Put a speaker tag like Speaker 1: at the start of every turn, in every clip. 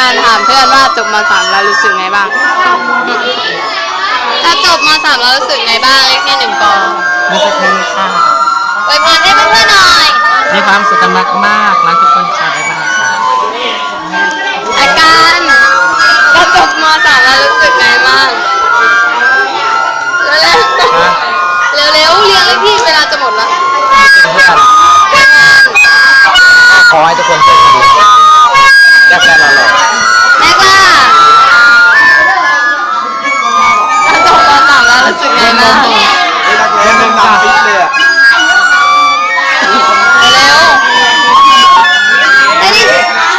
Speaker 1: การถามเพื่อนว่าจบม.3แล้วรู้สึกไงบ้างถ้าจบม.3แล้วรู้สึกไงบ้างเลขที่1ก
Speaker 2: รู้สึกดีค่ะ
Speaker 1: อวยพรให้เพื่อนๆหน่อย
Speaker 2: มีความสุขกันมากๆรักทุกคนค่ะบ๊ายบายค่ะ
Speaker 1: อาการถ้าจบม.3แล้วรู้สึกไงบ้างเร็วๆเร็วๆเรียงเลยพี่เวลาจะหมดแล้ว
Speaker 2: ขอให้ทุกคนโชคดีและแฟนเราหล่อ
Speaker 1: แม็กล่ะถ้าจบม.3แล้วรู้สึกไงบ้าง
Speaker 2: เล่นเป็นตามฟิตเลย
Speaker 1: เร็วไอ้นี่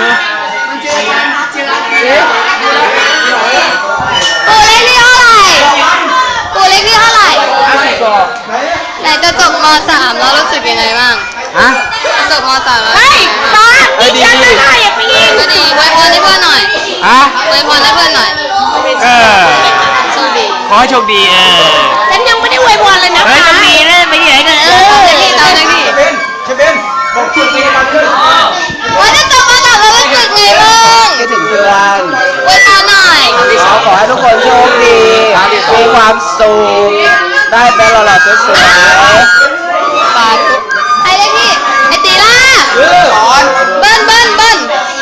Speaker 1: ตัวเลขที่เท่าไหร่ไหนจะจบม.3แล้วรู้สึกยังไงบ้าง
Speaker 2: ฮะ
Speaker 1: จะจบม.3แล้ว
Speaker 2: ดี
Speaker 1: ก็ดีอวยพรให้เพื่อนหน่อย
Speaker 2: ฮะ
Speaker 1: อวยพรให้เพื่อนหน่อยโชคดี
Speaker 2: ขอให้โชคดี
Speaker 1: ฉันยังไม่ได้อวยพรเลยนะ
Speaker 2: โชคดีเลยไปที่ไหนกัน
Speaker 1: ตามเลยพี่
Speaker 2: เชเบนบอกชื่อเพลงมาขึ้น
Speaker 1: ว่าจะจบม.3แล้วรู้สึกไงบ้าง
Speaker 2: คิดถึงเพื่อน
Speaker 1: อวยพรหน่อย
Speaker 2: ขอให้ทุกคนโชคดีมีความสุขได้แฟนหล่อๆสวย
Speaker 1: ๆปาทุกใครเลยพี่ไอตีล่า
Speaker 2: สอน
Speaker 1: เบิ้ลไปละเบิ้ล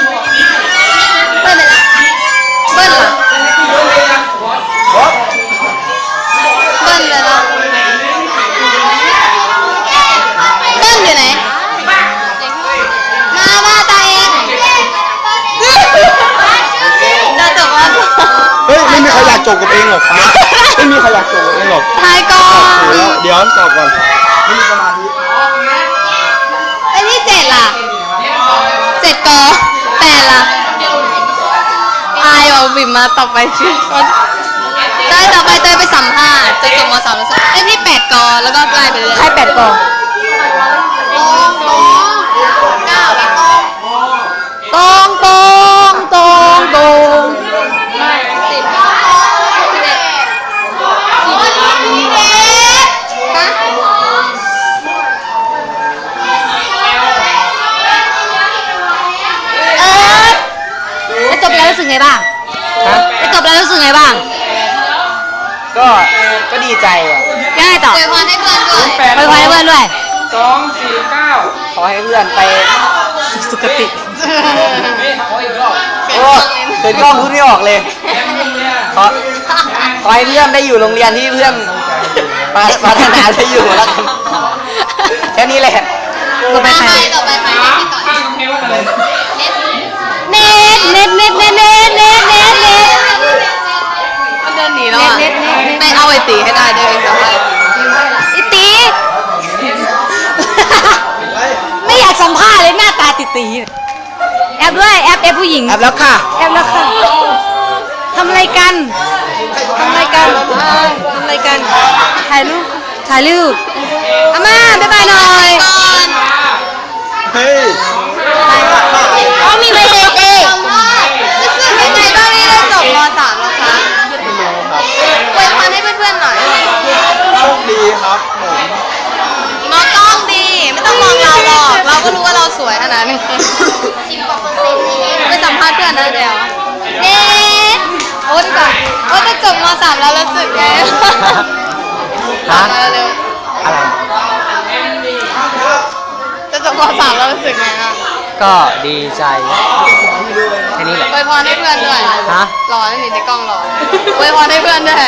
Speaker 1: เหรอเบิ้ลไปละเบิ้ลอยู่ไหนมาตายเองจะจบว่า
Speaker 2: เฮ้ยไม่มีใครอยากจบกับเองหรอกฟ้าไม่มีใครอยากจบกับเองหรอก
Speaker 1: ทายก่อน
Speaker 2: เดี๋ยวตอบก่อนไม่มีสมาธิ
Speaker 1: ไอ้นี่7ล่ะ7ก8ล่ะอายเอาบิมมาต่อไปชื่อเต้ยต่อไปเต้ยไปสัมภาษณ์จะจบม.3แล้วไอ้พี่8กแล้วก็ไล่ไปเลย
Speaker 2: ใคร8ก
Speaker 1: ตองไม่10
Speaker 3: จบแล้วรู้สึกไงบ้างจบแล้วรู้สึกไงบ้าง
Speaker 2: ก็ดีใจอ่ะ
Speaker 3: ยังไงต่อ
Speaker 1: อวยพรให้เพื่อนด้วย
Speaker 3: อวยพรให้เพื่อนด้วย
Speaker 2: 249ขอให้เพื่อนไปสุคติโอ้เห็นกล้องพูดไม่ออกเลยขอให้เพื่อนได้อยู่โรงเรียนที่เพื่อนพัฒนาได้อยู่แล้วกันแค่นี้แหละ
Speaker 1: ต่อไปใครที่ก่อน
Speaker 3: เน็ตมันเ
Speaker 1: ดินหนีแล้วอ่ะไม่เอาไอตีให้ได้ด้วยสัมภาษณ์
Speaker 3: ไอตีไม่อยากสัมภาษณ์เลยหน้าตาตีแอบด้วยแอบผู้หญิง
Speaker 2: แอบแล้วค่ะ
Speaker 3: แอบแล้วค่ะทำอะไรกันถ่ายรูปอาม่าบ๊ายบายหน่อย
Speaker 2: เฮ้ย
Speaker 3: มีเวที
Speaker 1: รู้สึกยังไงบ้างที่ได้จบม.3แล้วคะอวยพรให้เพื่อนๆหน่อย
Speaker 2: โชคดีครับ
Speaker 1: มองกล้องดีไม่ต้องมองเราหรอกเราก็รู้ว่าเราสวยขนาดนี้ไปสัมภาษณ์เพื่อนนะเดี๋ยวโอ๊ตก่อนโอ๊ตจะจบม.3แล้วรู้สึกไง
Speaker 2: ฮะ
Speaker 1: เร็ว
Speaker 2: อะไร
Speaker 1: จะจบม.3แล้วรู้สึกไงอ่ะ
Speaker 2: ก็ดีใจแค่นี้แหละ
Speaker 1: อวยพรให้เพื่อนด้วย
Speaker 2: ฮะ
Speaker 1: รอนั่นนี่ในกล้องรออวยพรให้เพื่อนด้วย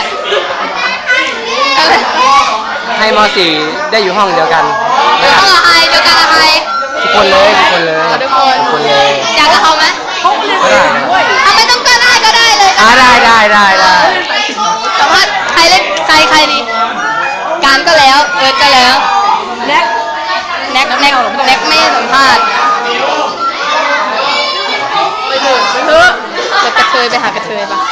Speaker 2: ให้ม.4ได้อยู่ห้องเดียวกัน
Speaker 1: เดียวกันกับใครทุก
Speaker 2: คนเลย
Speaker 1: ทุกคน
Speaker 2: เลย
Speaker 1: อยากกับเขาไหมไม่ต้องก็ได้เลย
Speaker 2: ได้
Speaker 1: แต่ว่าใครเล่นใครดีการก็แล้วเอิร์ธก็แล้วแน็กไม่สัมภาษณ์ไปเถอะจะกระเทยไปหากระเทยปะ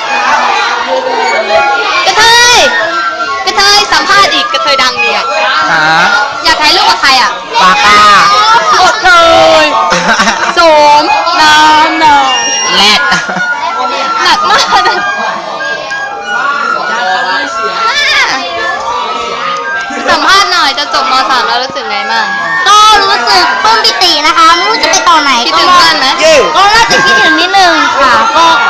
Speaker 1: กระเทยสัมภาษณ์อีกกระเทยดังดีอ่ะอยากถ่ายรูปกับใครอ่ะ
Speaker 2: ปากกาก
Speaker 1: ระเทยโสมน้ำแรดหนักมากสัมภาษณ์หน่อยจะจบม.3แล้วรู้สึกไงบ้าง
Speaker 3: ก็รู้สึกปลื้มปิตินะคะไม่รู้จะไปต่อไหน
Speaker 1: คิดถึงเพื่อนไหม
Speaker 3: ก็น่าจะคิดถึงนิดนึงค่ะก็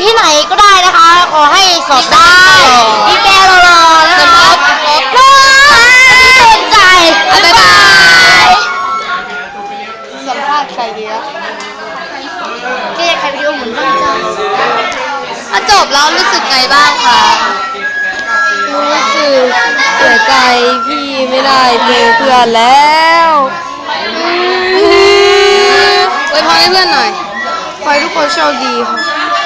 Speaker 3: ที่ไหนก็ได้นะคะ ขอให้สอบได้อีแกรอๆนะคะสนใจ
Speaker 1: บ๊ายบายสัมภาษณ์ใครดีอะ
Speaker 3: แกอยากใครวิดีโอหมุนบ้างจ้า
Speaker 1: ถ้าจบแล้วรู้สึกไงบ้างคะ
Speaker 3: รู้สึกเสียใจที่ไม่ได้เจอเพื่อนแล้ว
Speaker 1: อวยพรให้เพื่อนหน่อย
Speaker 3: ขอให้ทุกคนโชคดีค่ะ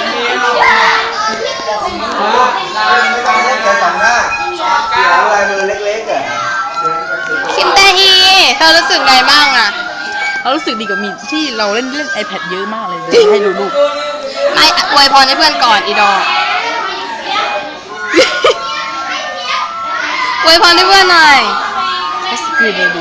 Speaker 2: แกสองหน้าเขียวลายมือเล็กๆอ่ะ
Speaker 1: คิมเตฮีเธอรู้สึกไงบ้างอะ
Speaker 4: เรารู้สึกดีกว่ามีที่เราเล่นiPad เยอะมากเลยให้ดูรูป
Speaker 1: ไม่อวยพรให้เพื่อนก่อนอีดอ อวยพรให้เพื่อนหน่อย
Speaker 4: ก็สกีเลยดู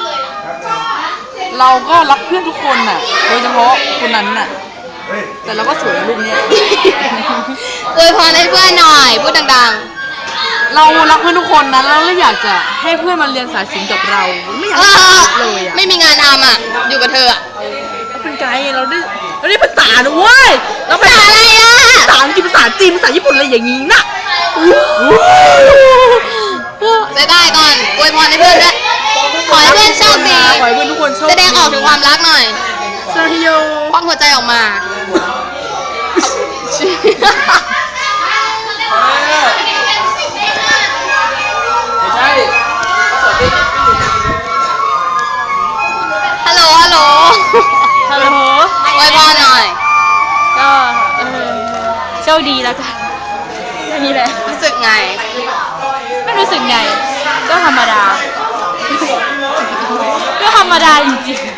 Speaker 4: เราก็รักเพื่อนทุกคนน่ะ โดยเฉพาะคนนั้นน่ะ แต่เราก็สวยในรูปเนี้ย
Speaker 1: อวยพรให้เพื่อนหน่อยพูดดัง
Speaker 4: เรารักเพื่อนทุกคนนะแล้วเราอยากจะให้เพื่อนมาเรียนสายศิลป์กับเรา ไม่อยากให้ขาดเลยอ่ะ
Speaker 1: ไม่มีงานทำอ่ะ อยู่กับเธออ่ะ
Speaker 4: เราเป็นไกด์เราได้ภาษานะเว้ยเราภาษาอะไรอ่ะภาษาอังกฤษภาษาจีนภาษาญี่ปุ่นอะไรอย่างงี้น่ะ
Speaker 1: จะได้ก่อนอวยพรให้เพื่อนด้วยขอให้เพื่อนโชคดี
Speaker 4: ขอให้เพื่อนทุกคนโชคดี
Speaker 1: แสดงออกถึงความรักหน่อย
Speaker 4: ซาฮิโย
Speaker 1: ควักหัวใจออกมา
Speaker 2: ไม่ใช่
Speaker 1: ฮัลโหล ฮัลโหล
Speaker 3: ฮัลโหล
Speaker 1: อวยพรหน่อย
Speaker 3: ก็โชคดีแล้วกันแค่นี้แหละ
Speaker 1: รู้สึกไง
Speaker 3: ไม่รู้สึกไง ก็ธรรมดา ก็ธรรมดาจริงๆ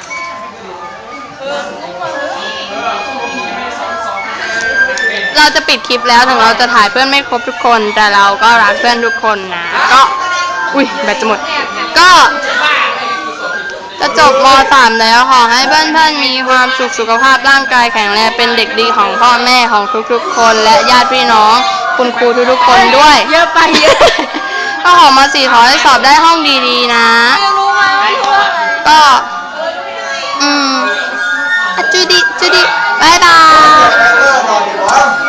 Speaker 1: เราจะปิดคลิปแล้วถึงเราจะถ่ายเพื่อนไม่ครบทุกคน แต่เราก็รักเพื่อนทุกคนนะ ก็ อุ้ยแบตจะหมด ก็จะจบม .3 แล้วขอให้เพื่อนๆมีความสุขสุขภาพร่างกายแข็งแรงเป็นเด็กดีของพ่อแม่ของทุกๆคน และญาติพี่น้องคุณครูทุกๆคนด้วย
Speaker 3: เยอะไปเยอะ
Speaker 1: ก็ขอมา4ขอให้สอบได้ห้องดีๆนะ ก็ อ่ะจูดิบายบาย
Speaker 2: ต่อดีกว่า